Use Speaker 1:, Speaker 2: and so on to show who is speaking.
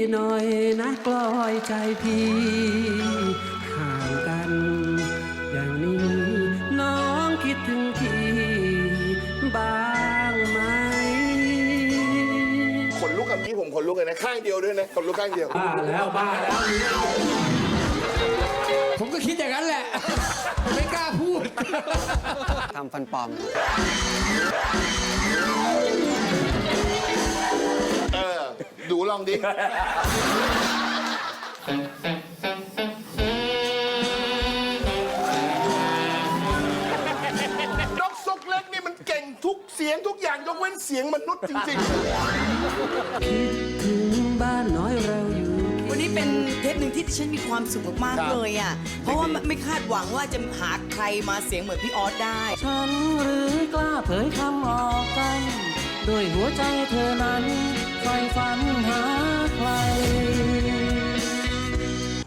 Speaker 1: หน่อยนะกลอยใจพี่ห่างกันอย่างนี้น้องคิดถึงพี่บ้างไหม
Speaker 2: ขนลุกคำนี้ผมขนลุกเลยนะข้างเดียวด้วยนะขนลุกข้างเดียว
Speaker 1: บ้าแล้ว
Speaker 3: ผมก็คิดอย่างนั้นแหละ ไม่กล้าพูด
Speaker 4: ทำฟันปลอม
Speaker 2: ดูลองดินกซกเล็กนี่มันเก่งทุกเสียงทุกอย่างยกเว้นเสียงมนุษย์จริงๆ
Speaker 1: ถึงบ้านน้อยเราอยู่
Speaker 5: วันนี้เป็นเทปหนึ่งที่ฉันมีความสุขมากๆเลยอ่ะ เพราะว่าไม่คาดหวังว่าจะหาใครมาเสียงเหมือนพี่ออสได้
Speaker 1: ฉันหรือกล้าเผยคำออกกันด้วยหัวใจเธอนั้นไฟฝันหา